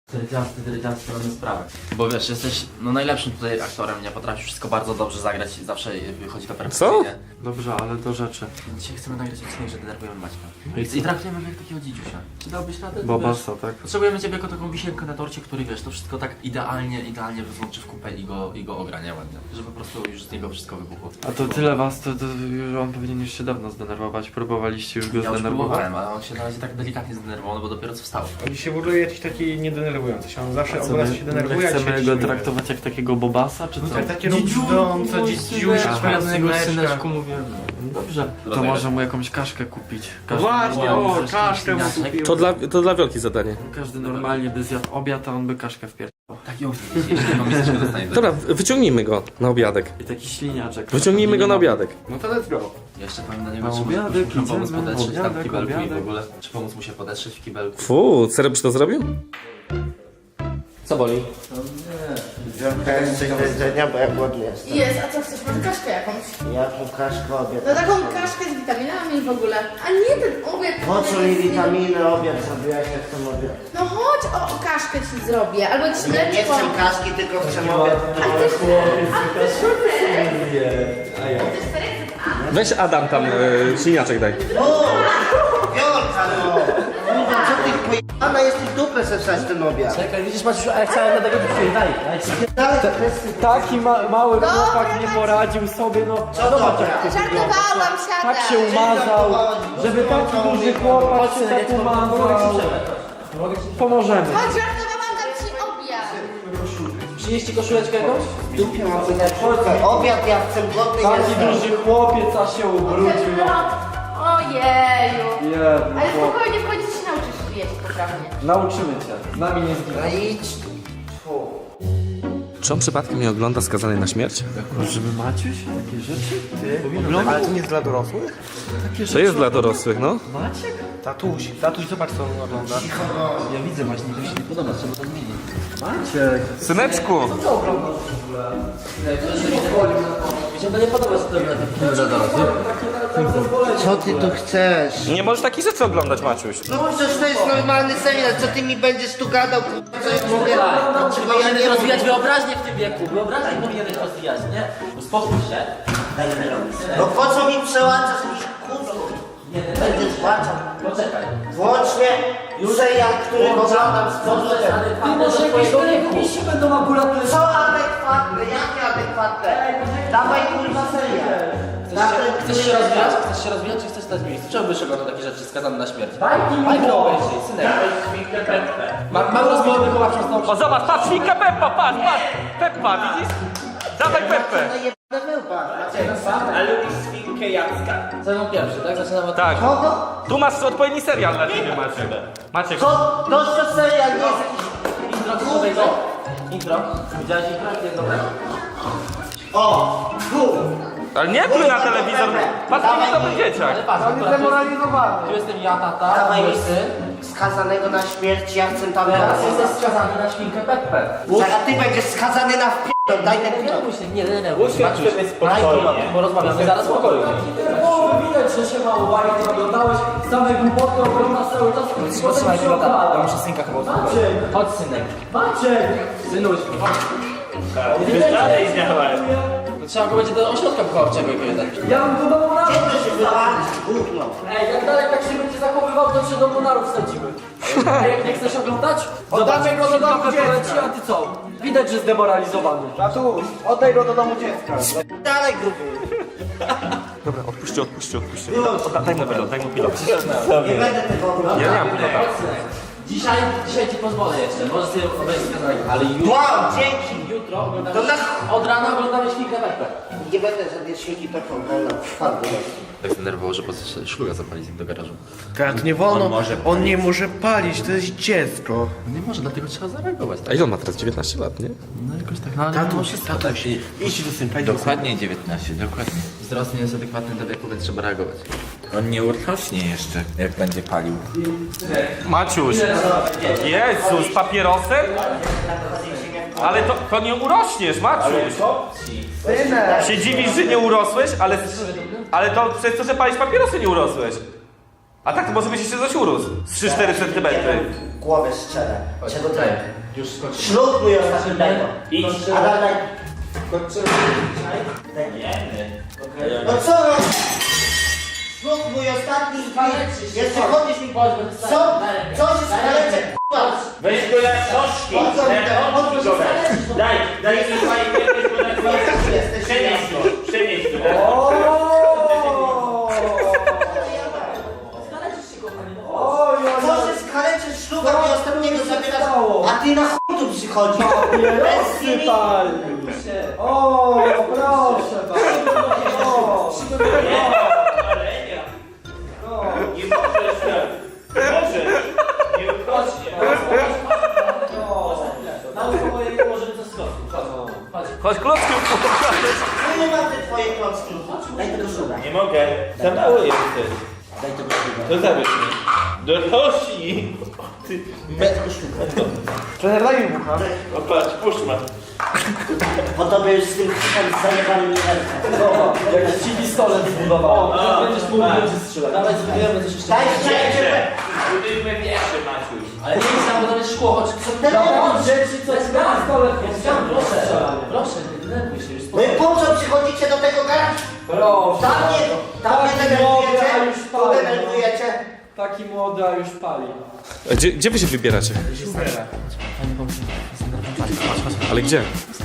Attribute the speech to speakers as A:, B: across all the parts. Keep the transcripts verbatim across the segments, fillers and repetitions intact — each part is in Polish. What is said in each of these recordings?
A: Trydziasty, trydziasty, mamy sprawę. Bo wiesz, jesteś no najlepszym tutaj aktorem, nie potrafisz wszystko bardzo dobrze zagrać i zawsze wychodzi to perfekcyjnie.
B: Dobrze, ale do rzeczy.
A: Dzisiaj chcemy nagrać odcinek, że denerwujemy Maćka. I, i traktujemy go jak takiego dzidziusia. Czy dałbyś radę?
B: Bobasa, tak?
A: Potrzebujemy ciebie jako taką wisienkę na torcie, który wiesz, to wszystko tak idealnie, idealnie wzłączy w kupę i go, i go ogra, nie ładnie. Żeby po prostu już z niego wszystko wybuchło.
B: A to tyle was, to, to już on powinien już się dawno zdenerwować. Próbowaliście już go
A: Ja już
B: zdenerwować?
A: próbowałem, ale on się na razie tak delikatnie zdenerwował, no bo dopiero co wstał.
C: On się w ogóle jakiś taki niedenerwujący się, on zawsze
B: Co,
C: obraza
B: my,
C: się
B: my
C: denerwuje, a
B: chcemy
C: dzisiaj
B: go
C: się
B: traktować jak takiego Bobasa, czy co?
C: tak, takie robiące, dzidziusia, swoja syneczka.
A: mówię.
B: Dobrze, to
A: Rozumiesz?
B: może mu jakąś kaszkę kupić. Każdy,
C: Właśnie, o,
A: Możesz
C: kaszkę mu
A: śmieszek.
C: kupił.
D: To dla, to dla Wiolki zadanie.
B: każdy normalnie by zjadł obiad, a on by kaszkę wpierdł.
A: Tak ją jeśli jedną miseczkę dostanie.
D: Dobra, wyciągnijmy go na obiadek.
B: I taki śliniaczek.
D: Wyciągnijmy go na obiadek.
C: No to let's go.
A: Jeszcze powiem do niego,
B: Na
A: czy
B: obiadek
A: muszę pomóc
B: idziemy,
A: podetrzeć tam w
B: obiadek,
A: kibelku i w
B: obiadek.
A: ogóle. Czy pomóc mu się podetrzeć w kibelku?
D: Fu, serio byś to zrobił?
A: Co boli?
E: Trochę coś do jedzenia, bo ja głodny jestem.
F: Jest, a co chcesz? Może kaszkę jakąś?
E: Jaką kaszkę obiad?
F: No taką kaszkę z witaminami w ogóle. A nie ten obiad.
E: Po co mi
F: jest-
E: witaminy obiad zrobiłaś, jak to mówię?
F: No chodź, o, o kaszkę ci zrobię. Albo jakieś
E: Nie, nie
F: mleczko.
E: chcę kaszki, tylko chcę obiad.
F: A chcesz a chcesz serek? Chcesz serek?
D: Weź Adam tam, e, śliniaczek daj.
E: O! Wiolka, no! Kurwa, co ty pojebana jesteś w dupę se wstać ten obiad?
A: Czekaj, widzisz Maciusiu, a ja chciałem na tego dzisiaj, daj, daj.
E: Dalej, kwestii.
B: Taki ma mały
F: Dobra,
B: chłopak nie
F: Maciek.
B: poradził sobie, no.
E: Co
B: Zobacz
E: dobra?
B: jak ty wyglądasz.
F: Żartowałam,
B: no.
F: siadaj.
B: Tak się umazał, żeby taki duży chłopak się tak umazał. Pomożemy.
F: Chodź, żartowałam, dam ci obiad.
A: Przynieść ci koszuleczkę jakąś?
E: W dupie mam sobie obiad, ja chcę głodny
B: Taki
E: jestem.
B: duży chłopiec, a się ubrudził. No.
F: Ojeju.
B: Jedny
F: Ale
B: chłop.
F: spokojnie, w końcu się nauczysz jeść poprawnie.
B: Nauczymy cię. Z nami nie zginie.
E: No idź. Fu.
D: Czy on przypadkiem nie ogląda Skazany na śmierć?
B: Żeby Maciuś takie rzeczy?
C: Ale to nie jest dla dorosłych?
B: Takie
D: To jest dla dorosłych, no.
B: Maciek?
C: Tatuś, tatuś, zobacz co on ogląda.
A: Ja widzę właśnie, to się nie podoba, trzeba to zmienić.
B: Maciek.
D: Syneczku!
A: Mi się to nie podoba, że to robi na tym filmie dla dorosłych.
E: Co ty tu chcesz?
D: Nie możesz takich rzeczy oglądać, Maciuś.
E: No przecież to jest normalny serial, co ty mi będziesz tu gadał, kurwa, co ja mówię? Czego ja
A: Powinieneś
E: nie
A: rozwijać
E: mówię?
A: wyobraźnię w tym wieku, wyobraźnię powinieneś rozwijać, nie? Uspokój się. Daj mi robić.
E: No po co mi przełaczasz mi kurwa? Będziesz płaczał.
A: Poczekaj.
E: Włącznie serial, który oglądam z powrotem.
A: Ty może jakieś telewizji będą ambulatory.
E: Co adekwatne? Jakie adekwatne? Dawaj kurwa serial. Dawaj,
A: Chcesz się rozwijać? Chcesz się rozwijać, czy chcesz stać w miejscu? Czemu byś oglądał takie rzeczy skazane na śmierć? Bajkę obejrzyj, synek. Ma- Mam rozmowę wychowawczą z tą.
D: O, zobacz, patrz, świnka Peppa, patrz, patrz! Peppa, widzisz? Dawaj Peppę!
E: na wyłba.
A: Co mam pierwszy, tak? Zaczynamy od...
D: Tak.
E: Kogo?
D: Tu masz odpowiedni serial dla ciebie, Maciek. Maciek.
E: To, to co serial, nie jest jakiś...
A: Intro, co sobie to? Intro. Widziałeś intro? Jest dobre?
E: O! Tu!
D: Ale nie pluj na telewizor, patrz, nie dobry dzieciak.
A: Ale patrz, akurat tu jest- tu jestem ja, tata,
E: Dawaj
A: mój
E: mi
A: syn.
E: skazanego na śmierć, ja chcę tam
A: Teraz
E: teraz.
A: jesteś skazany na świnkę Peppę.
E: Zaraz ty będziesz skazany na wpierdol, daj ten
A: Nie
E: pilot.
A: bój się, nie denerwuj się. Maciuś, daj pilot, bo rozmawiamy zaraz w pokoju.
B: O, widać, że się mało bajki oglądałeś. Same głupoty oglądasz cały czas.
A: Posłuchaj pilota, ja muszę synka chyba usłuchać.
B: Maciek.
A: Chodź synek.
B: Maciek!
A: Synuś, chodź. To trzeba go będzie do ośrodka wychowawczego jakiegoś dać.
B: Ja bym do domu narów.
E: Kiedy się wywalić, gówno.
B: Ej, jak dalej tak się będzie zachowywał, to się do domu narów wsadzimy. Ej, jak nie chcesz oglądać? Oddamy go do domu dziecka. A ty co? Widać, że zdemoralizowany.
C: Tatuś, oddaj go do domu dziecka.
E: Dalej gruby.
D: Dobra, odpuśćcie, odpuśćcie, odpuśćcie. Daj mu pilot, daj mu pilot.
E: Nie będę tego oglądał.
D: Ja nie mam pilota.
A: Dzisiaj, dzisiaj ci pozwolę jeszcze, możesz sobie obejrzeć skazanie, ale jutro,
E: Wow, dzięki.
A: jutro oglądamy,
E: To na-
A: od rana oglądamy świnkę Peppę.
E: Nie będę żadnej świnki tak oglądał. Fajnie.
A: Tak zdenerwowało, że po prostu szluga zapalić do garażu.
C: Tak, nie wolno, on nie może palić, to jest dziecko.
A: Nie może, dlatego trzeba zareagować.
D: A ile on ma teraz? dziewiętnaście lat, nie?
A: No jakoś tak, no ale mimo wszystko tak.
C: Idź do synka, idź do synka.
G: Dokładnie dziewiętnaście, dokładnie.
A: Wzrost nie jest adekwatny do wieku, więc trzeba reagować.
G: On nie urośnie jeszcze, jak będzie palił.
D: Maciuś! Jezus, papierosem? Ale to, to nie urośniesz, Maciuś! Się dziwisz, że nie urosłeś, ale, ale to przez to, że palisz papierosy nie urosłeś. A tak to może być jeszcze coś urósł. Z trzy cztery centymetry.
E: Głowę strzelę. Czego to?
A: Już skończyłem.
E: Ślub mój ostatni daj to.
A: Idź.
E: Adam, daj. No co no? Ślub mój ostatni. Jeszcze chodzisz mi... Co? Co się skaleczek?
D: Weź go na książki. Daj, daj mi fajkę, weź go na książki. Przenieś go, przenieś go.
E: Co się skaleczysz śluba mi ostatniego zabierasz, a ty na chuj tu przychodzisz? Bez chwili.
B: O, proszę bardzo.
D: Nie możesz tak. Możesz. Nie uchodźcie. Chodź klockiem pokażesz.
E: No nie mam te twoje klocki. Daj tego śluba.
D: Nie mogę. Za mały jesteś.
E: Daj tego śluba.
D: To zabierz mi. Dorośli. Ty.
E: Daj tego śluba.
D: Trener, daj mi bucha. O patrz, puść ma.
E: Po tobie już z tym chytem zajebany mi rękę.
B: Jak ci pistolet zbudował. Będziesz mógł będzie strzelać. Dawaj, zbudujemy coś jeszcze.
E: Daj szczęście.
D: Budujmy pierwszy, Maciuś.
A: Ale nie jest tam, bo tam jest szkło, chodź.
E: Ten
B: Dawaj, dzieci, coś na pistolet.
A: Proszę, proszę, nie denerwuj się, już
E: No i po co przychodzicie do tego garażu?
B: Proszę.
E: Tam mnie, tam mnie
B: Taki młody, a już
E: denerwujecie, tu
B: pali.
E: denerwujecie.
B: Taki młody, a już pali.
H: Gdzie, gdzie wy się wybieracie? Ale gdzie?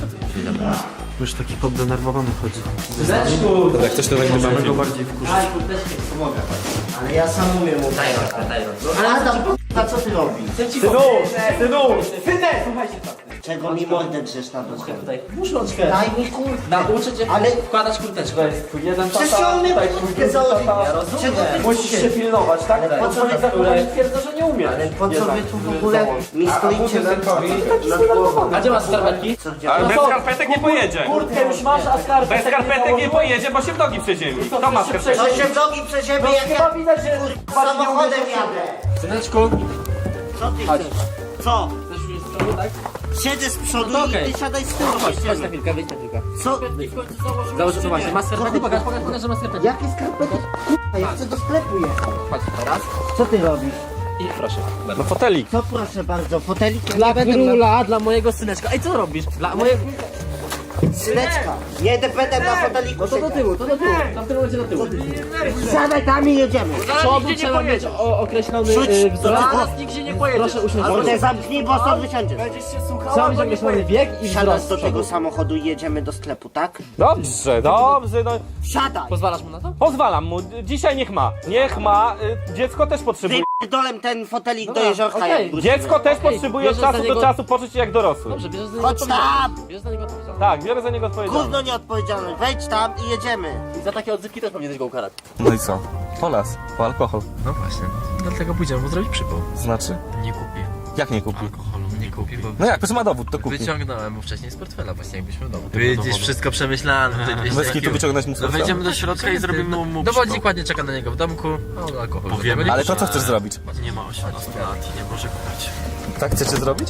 C: Już taki poddenerwowany chodzi.
A: Syneczku!
H: Jak coś to nagrywamy.
C: Go bardziej wkurzyć.
A: Daj, kurteczkę, pomogę.
E: Ale ja sam umiem mówić.
A: Daj rączkę, daj rączkę.
E: Ale Adam, a co ty robisz?
A: Chcę ci
B: Synu,
A: powiedzieć.
B: synu, synek, słuchajcie tak.
E: Czego mi mordę drzesz na dół?
A: Tutaj, włóż rączkę.
E: Daj mi kurtkę.
A: Nauczę cię
E: Ale-
A: wkładać kurteczkę.
B: To jest twój jeden
E: Przecież
B: tata,
E: ja umiem
B: tutaj
E: kurtkę
B: twój drugi
E: założyć.
B: tata.
A: Ja rozumiem.
E: Czego ty
B: Musisz się pilnować, tak?
A: Tak.
B: Po co za które twierdza, że nie umie.
E: Ale po co
B: Jednak,
E: wy tu w
B: żeby
E: ogóle
B: założyć.
E: mi stoicie na
B: Taki zdenerwowany.
A: A gdzie masz skarpetki?
E: Co gdzie?
D: Ale
B: No
D: bez
B: co?
D: skarpetek nie pojedzie.
B: Kurtkę już masz, a skarpetek
D: Bez skarpetek nie pojedzie, bo się w nogi przeziębi. Kto ma skarpetki?
E: To się w nogi przeziębi,
B: No
E: jak
B: chyba
E: ja
B: widać, że
E: samochodem jadę.
A: Syneczku,
E: Co ty chcesz? Co?
A: chcesz już z przodu, tak?
E: Siedzę z przodu
A: No
E: i
A: okej.
E: ty siadaj z tyłu.
A: Chodź, chodź na
E: siedzimy.
A: chwilkę, wyjdź na chwilkę.
E: Co?
A: Założę to właśnie, masz skarpetki? Pokaż, pokaż, pokaż, że masz skarpetki.
E: Jakie skarpety? K***a, ja chcę do sklepu jechać.
A: Chodź, teraz.
E: Co ty robisz?
A: I proszę.
H: No fotelik.
E: Co proszę bardzo, fotelik?
A: Dla króla, dla mojego syneczka. Ej, co robisz? Dla mojego...
E: Syneczka. Nie będę na foteliku
A: No to do tyłu, to do tyłu. Tam w tym momencie do tyłu.
E: Siadaj tam i jedziemy.
A: Z przodu trzeba mieć o, określony
E: Rzuć.
A: y, wzrost.
E: Zaraz
A: nigdzie nie pojedziesz. Proszę usiąść.
E: Albo te zamknij, bo stąd wysiądziesz.
A: Trzeba mieć określony wiek i
E: Siadasz
A: wzrost.
E: do
A: z przodu.
E: tego samochodu i jedziemy do sklepu, tak?
D: Dobrze, dobrze, no.
E: Siadaj.
A: Pozwalasz mu na to?
D: Pozwalam mu, dzisiaj niech ma. Niech ma, y, dziecko też potrzebuje.
E: Wypierdolem ten fotelik do
A: Dobra,
E: jeziorka
A: okej.
E: jak wrócimy.
D: Dziecko też
A: Okej,
D: potrzebuje od
A: bierzesz za
D: czasu do
A: niego-
D: czasu poczuć się jak dorosły.
A: Dobrze, bierzesz za niego
E: Chodź tam.
A: odpowiedzialność. Bierzesz za niego odpowiedzialność.
D: Tak, biorę za niego odpowiedzialność.
E: Gówno nieodpowiedzialne. Wejdź tam i jedziemy.
A: I za takie odzywki też powinieneś go ukarać.
H: No i co? Po las, po alkohol.
I: No właśnie, dlatego pójdziemy mu zrobić przypał.
H: Znaczy?
I: Nie kupi
H: Jak nie kupi?
I: alkoholu, nie kupi, bo
H: No jak, to ma dowód, to kupi.
I: wyciągnąłem mu wcześniej z portfela, właśnie jakbyśmy w domu. Widzisz, wszystko przemyślane. tutaj dwieście
H: Bez kitu
I: kił.
H: wyciągnąć mu
I: No
H: z
I: wejdziemy do środka i zrobimy mu Dowodzik ładnie czeka na niego w domku, no alkohol. Powiemy.
H: Ale to co chcesz zrobić?
I: Nie ma osiemnastu lat i nie może kupić.
H: Tak chcecie zrobić?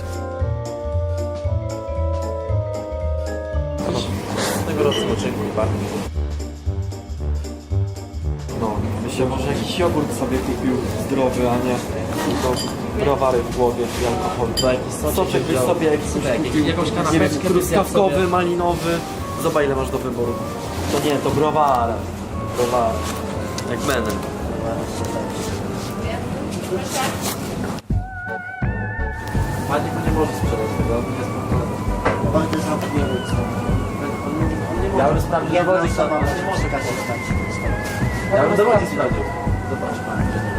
C: No, myślę, może jakiś jogurt sobie kupił zdrowy, a nie tylko browary w głowie i alkohol. Soczek byś sobie jakiś kupił,
A: jakąś
C: nie wiem,
A: kanapeczkę
C: truskawkowy, malinowy. Zobacz ile masz do wyboru. To nie, to browary. Browary. Jak Menem. Pani nie może sprzedać tego.
E: Mordę zamkniemy, co?
A: Ja bym sprawdził
E: Jedna
A: dowodzik,
E: osoba
A: to-
E: może przekazać.
A: Ja bym dowodzik sprawdził. Zobacz pan.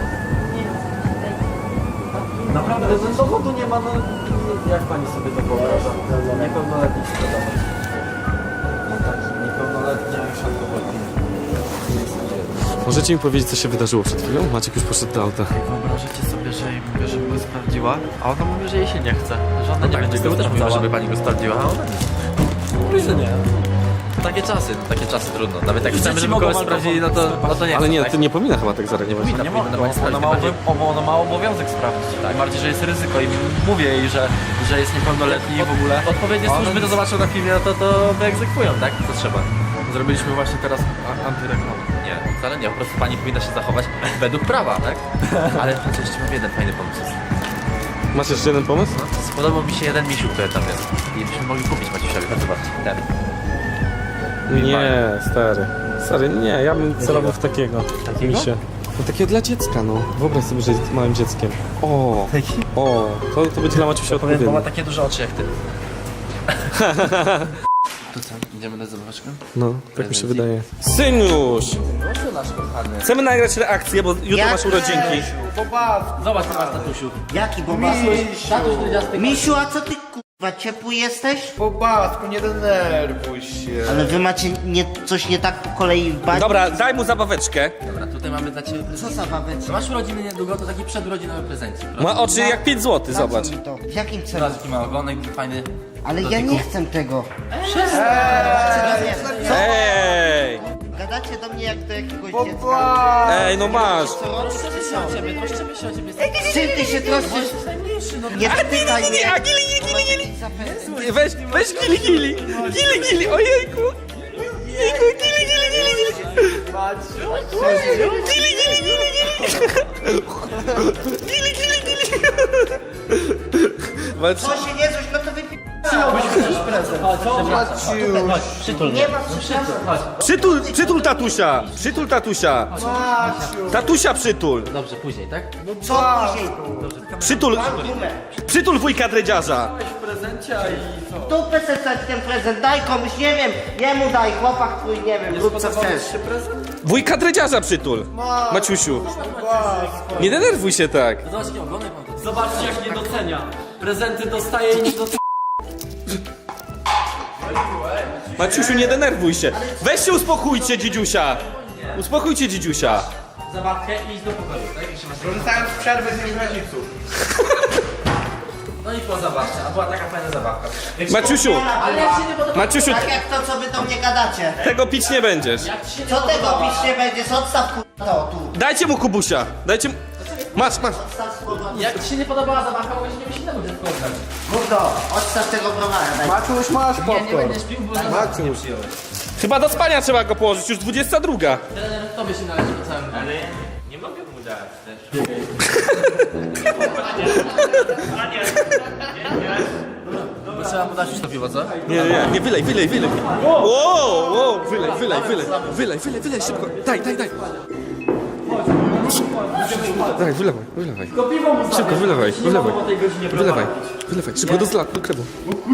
C: Naprawdę, ten dowodu nie ma, no jak pani sobie to wyobraża? Niepełnoletni sprzedawać. No tak, niepełnoletnia już alkoholki.
H: Możecie mi powiedzieć, co się wydarzyło przed chwilą? Maciek już poszedł do auta.
I: Wyobrażacie sobie, że jej mówię, żeby go sprawdziła, a ona mówi, że jej się nie chce, że ona nie będzie go
A: też
I: sprawdzała,
A: mówiła,
I: żeby pani go sprawdziła, a ona nie. Mówi, że nie. Takie czasy, takie czasy trudno. Nawet jak chcemy, żeby kogoś sprawdzili, no to, no to nie
H: Ale
I: chcą,
H: nie,
I: tak?
H: to nie powinna chyba tak zareagować.
I: Nie powinna pani sprawdzić, ona ma, obo- ona ma obowiązek sprawdzić. Tak. Tym bardziej, że jest ryzyko i mówię jej, że, że jest niepełnoletni w ogóle. Odpowiednie służby to zobaczą na filmie, no to, to wyegzekwują, tak? To trzeba. Zrobiliśmy właśnie teraz a- antyreklamę.
A: Nie, wcale nie, po prostu pani powinna się zachować według prawa, tak? Ale chociaż jeszcze mam jeden fajny pomysł.
H: Masz jeszcze jeden pomysł?
A: Spodobał mi się jeden misiu, który tam jest. I byśmy mogli kupić Maciusiowi, to zobaczcie, ten.
H: Nie, stary. Stary, nie, ja bym celował w takiego.
A: Takiego?
H: Misia. No takiego dla dziecka, no. Wyobraź sobie, że jest małym dzieckiem. O, o, to, to będzie dla Maciusia
A: Powiem, bo ma
H: odpowiednie.
A: takie duże oczy jak ty. To co, idziemy na zabaweczkę?
H: No, tak mi się wydaje. Synuś!
A: Proszę nasz kochany.
H: Chcemy nagrać reakcję, bo jutro
E: Jak
H: masz urodzinki.
A: Zobacz, co masz, tatusiu.
E: Jaki bobas?
A: Tatuś dredziasty.
E: Misiu, a co ty kurwa, ciepły jesteś?
F: Bobasku, nie denerwuj się.
E: Ale wy macie nie, coś nie tak po kolei w bani?
H: Dobra, daj mu zabaweczkę.
A: Dobra, tutaj mamy dla ciebie
E: Co
A: prezent.
E: za babeczka?
A: Masz urodziny niedługo, to taki przedurodzinowy prezencik.
H: Ma oczy jak pięć złotych,
E: Za co
H: zobacz.
E: mi to? W jakim celu?
A: Zobacz, jaki ma ogonek, fajny.
E: Ale ja nie chcę tego.
H: Ej!
E: Gadacie do mnie jak do jakiegoś dziecka.
H: Ej, no masz!
A: Troszczymy się o ciebie, troszczymy się o ciebie.
E: Z czym ty się troszczysz?
A: Najmniejszy, no.
E: Nie spytaj
H: nie,
E: mnie.
H: nie, a gili, gili, gili, gili.
E: Zapewne.
H: Weź, weź gili, gili. Gili, gili, ojejku. Jejku, gili, gili, gili, gili. Gili, gili, gili, gili. Gili, gili, gili.
E: Co się nie coś, no to wypi...
A: Przytul
E: Nie ma przytul.
H: Przytul, przytul tatusia. Przytul tatusia. Tatusia przytul.
A: Dobrze, później, tak?
E: Co później?
H: Przytul, przytul wujka dredziarza.
E: Tu pesesać ten prezent, daj komuś, nie wiem, jemu daj, chłopak twój, nie wiem, rób co chcesz.
H: Wujka dredziarza przytul. Maciusiu. Nie denerwuj się tak.
A: Zobacz, jaki ogonek mam tutaj.
B: Zobaczcie jak nie docenia. Prezenty dostaje i nie docenia.
H: Maciusiu, nie denerwuj się. Weź się uspokójcie, dzidziusia. Uspokójcie, dzidziusia.
A: Zabawkę i idź do pokoju, tak? Jak się masz...
F: Korzystałem z przerwy z niezgraniczów.
A: No i po zabawce, a była taka fajna zabawka.
H: Maciusiu,
A: Ale jak się nie podoba...
H: Maciusiu,
E: Tak jak to, co wy do mnie gadacie.
H: tego pić nie będziesz.
E: Co tego pić nie będziesz, odstaw kurwa to tu.
H: Dajcie mu kubusia. Dajcie mu... Masz, masz.
E: Odstaw słowa.
A: Jak ci się nie podobała zabawka, mogę nie mieć innego dziecka oddać.
E: Mów to, odstaw tego browara, daj.
F: Maciuś, masz
A: Nie, nie
F: popcorn.
A: będziesz pił, bo zabawkę nie przyjąłeś.
H: Chyba do spania trzeba go położyć, już dwudziesta druga.
A: Trener, tobie się należy po całym. Ale
G: Nie mogę mu dać też.
A: bo trzeba podać już to piwo, co?
H: Nie, nie, nie, wylej, wylej, wylej. Wow, wow, wylej, wylej, wylej. Wylej, wylej, wylej, szybko. Daj, daj, daj. Daj, wylewaj, wylewaj. Szybko, wylewaj, wylewaj. Wylewaj, wylewaj, szybko do zla, do krewu.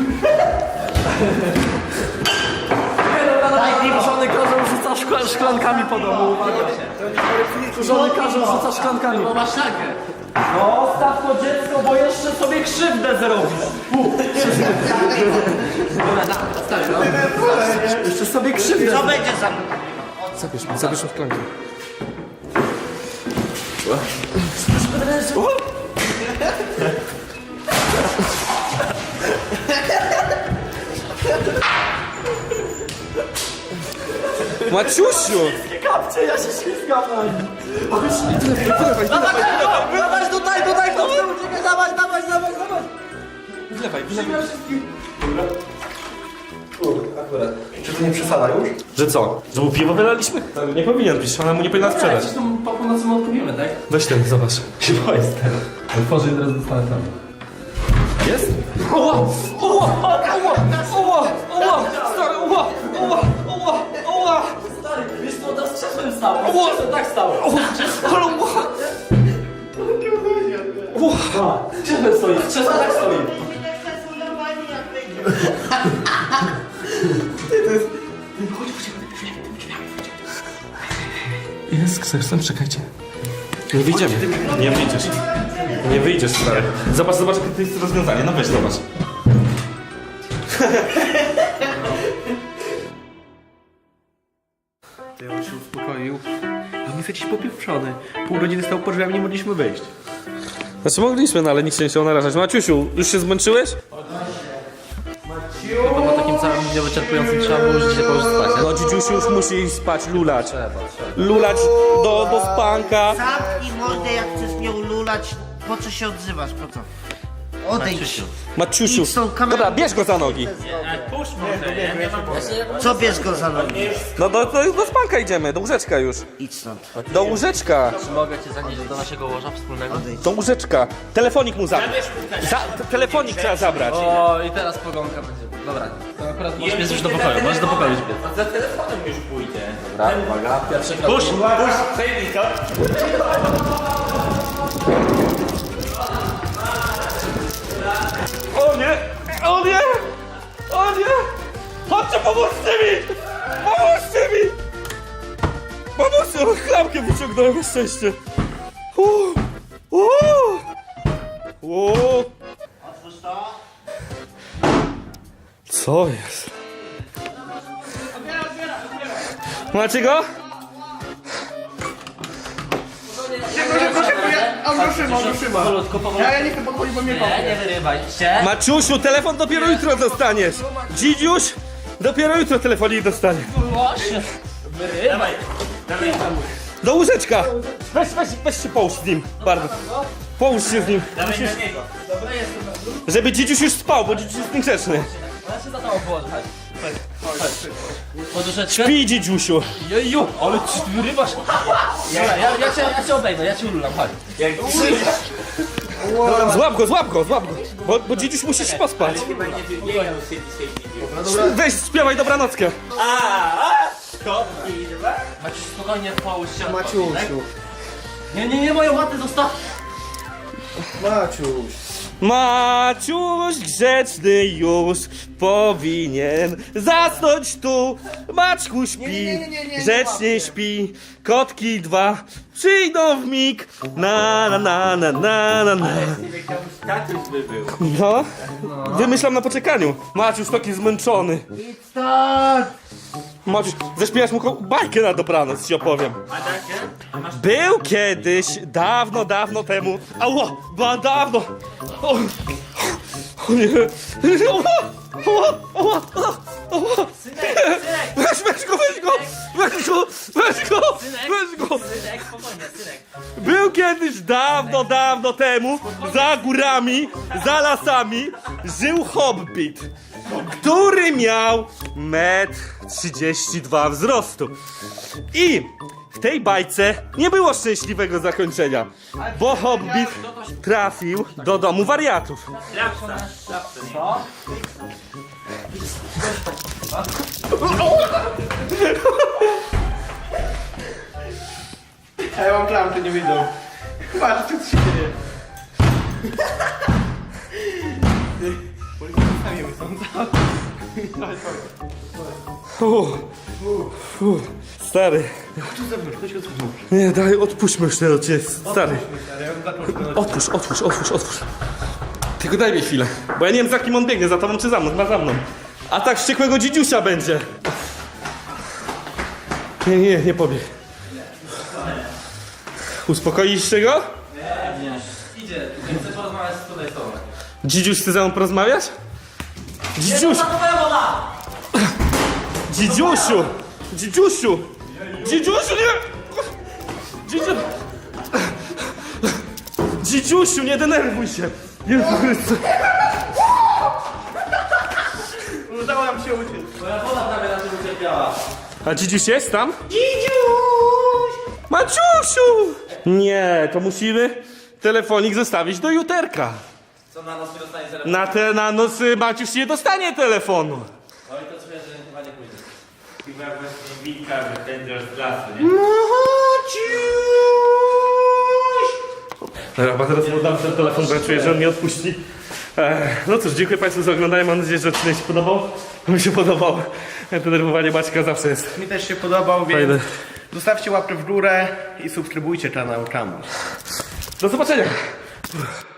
B: Żony każą rzuca szkla, szklankami po domu. Żony każą rzuca szklankami.
A: Bo masz szagę.
B: No, staw to dziecko, bo jeszcze sobie krzywdę zrobisz.
A: Dobra, na, odstawię, no.
B: Jeszcze sobie krzywdę
E: Co będzie za...
H: Zabierz mu, zabierz mu szklankę. Maciusiu!
B: kapcie, ja się ślizgam na nim.
H: Wylewaj, wylewaj,
B: Dawaj tutaj, tutaj, to chcę uciekać, dawaj, dawaj, dawaj, dawaj.
H: wylewaj, wylewaj.
F: Czy to nie przesada już?
H: Że co? Że mu piwo wylaliśmy? To nie powinien pić, ona mu nie powinna sprzedać.
A: Przecież tu po północy mu odpływimy, tak?
H: Weź ten, zobacz. Się boję stary.
A: Otworzę i teraz dostanę tam.
H: Jest? Oła! Oła! Oła! Oła! Oła! Stary, oła! Oła! Oła! Oła!
B: Stary, wiesz co, teraz krzesłem stało.
H: Ło!
B: Krzesłem tak stało.
H: Ale oła! Oła!
B: Krzesłem stoi, krzesłem tak stoi.
H: Jest z ksersem, czekajcie. Nie wyjdziemy. Nie wyjdziesz. Nie wyjdziesz, stary. Zobacz, zobacz, jakie to jest rozwiązanie. No weź, zobacz.
F: Ty on się uspokoił. A my jesteś popieprzony. Pół godziny stał pod drzwiami, nie mogliśmy wyjść.
H: Znaczy mogliśmy, no ale nikt się nie chciał narażać. Maciusiu, już się zmęczyłeś?
A: Bo po takim całym dniu wyczerpującym trzeba było już dzisiaj położyć spać, nie?
H: No dzidziusiu już musi iść spać, lulać. Lulać do, do spanka.
E: Zamknij mordę, jak chcesz mnie ululać. Po co się odzywasz, po co? Odejdź.
H: Maciusiu.
E: Idź tą kamerą.
H: Dobra, bierz go za nogi.
G: Puść może, ja nie mam
E: Co bierz go za nogi?
H: No do, do, do spanka idziemy, do łóżeczka już.
E: Idź stąd.
H: Do łóżeczka.
I: Czy mogę cię zanieść do naszego łoża wspólnego?
H: Do łóżeczka. Telefonik mu zabrać. Za, t- telefonik trzeba zabrać.
A: O, i teraz pogonka będzie. Dobra, to akurat możesz biec już do pokoju, możesz do pokoju już biec.
G: za telefonem już pójdę.
A: Dobra, uwaga, pierwszy krok.
G: Puść, puść, przejmij to.
H: O nie! O nie! O nie! Chodźcie, pomóżcie mi! Pomóżcie mi! Pomóżcie! O, klamkę wyciągnąłem, na szczęście. Uuu. Uuu. Uuu. Co jest? Macie go?
A: Ja, ja nie chcę podchodzić, bo mnie Nie, nie wyrywaj się.
H: Maciusiu, telefon dopiero jutro dostaniesz. Dzidziuś, dopiero jutro telefonik dostanie.
A: Właśnie. Wyrywaj.
H: Do łóżeczka! Weź, weź, weź się połóż z nim, bardzo. Połóż się z nim.
G: Dawaj na niego.
H: Żeby dzidziuś już spał, bo dzidziuś jest niegrzeczny.
A: Ja się za tobą położę. Chodź. Chodź. Poduszeczkę.
H: Śpi, dzidziusiu.
A: Jeju, ale ci ty wyrywasz. Dobra, ja, ja, cię, ja cię obejmę, ja cię ululam, chodź.
H: Złap go, złap go, złap go. Bo, bo dzidziuś musi się pospać.
G: Chyba nie wybiegał z tej tej
H: Weź, śpiewaj dobranockę.
A: Maciuś, spokojnie połóż się. Maciusiu. Nie, nie, nie, moją matę zostaw.
H: Maciuś grzeczny już powinien zasnąć tu. Maczku śpi, grzecznie śpi. Kotki dwa przyjdą w mig. Na na na na na na na.
G: tatuś by był.
H: No, wymyślam na poczekaniu. Maciuś taki zmęczony. Maciuś, zaśpiewasz mu ko- bajkę na dobranoc, ci opowiem.
G: A dacie?
H: Był kiedyś, dawno, dawno temu. Ała, ba, dawno. O, o nie. Ała, ała, ała, ała. Weź, weź go, weź go, weź go, weź go, weź go.
G: Synek, spokojnie, synek.
H: Był kiedyś dawno, dawno temu, za górami, za lasami, żył hobbit, który miał metr trzydzieści dwa wzrostu. I w tej bajce nie było szczęśliwego zakończenia, bo hobbit trafił do domu wariatów.
G: Rapsa, rapsa.
F: A ja mam klamkę, nie wyjdą. Patrz, co tu się dzieje.
H: Uff, uff, stary. Nie, daj, odpuśćmy już ten odcinek, stary. Otwórz, otwórz, otwórz, otwórz. Tylko daj mi chwilę, bo ja nie wiem, za kim on biegnie, za tobą czy za mną, chyba za mną. A tak wściekłego dzidziusia będzie. Nie, nie, nie pobieg. Uspokoiliście go?
A: Idzie, chcę porozmawiać z tutaj z tobą.
H: Dzidziuś chce ze mną porozmawiać? Dzidziuś! Dzidziusiu! Dzidziusiu! Dzidziusiu, nie! Dzidziu... Dzidziusiu, nie denerwuj się! Jezu Chryste!
F: Udało nam się uciec.
A: Moja woda prawie na tym ucierpiała.
H: A dzidziuś jest tam? Dzidziuś! Maciusiu! Nie, to musimy telefonik zostawić do juterka.
A: Co na nos nie dostanie telefon?
H: Na te na noc y, Maciuś nie dostanie telefonu.
A: Oj, to czuję, że chyba nie pójdzie.
G: Chyba właśnie wilka wypędzasz z lasu, nie?
H: Dobra, bo zaraz mu dam ten telefon, bo ja czuję, że on mnie odpuści. Ech, no cóż, dziękuję Państwu za oglądanie. Mam nadzieję, że odcinek się podobał. Mi się podobał. Denerwowanie Maćka zawsze jest
F: Mi też się podobał, więc
H: fajne.
F: zostawcie łapkę w górę i subskrybujcie kanał Czamus.
H: Do zobaczenia!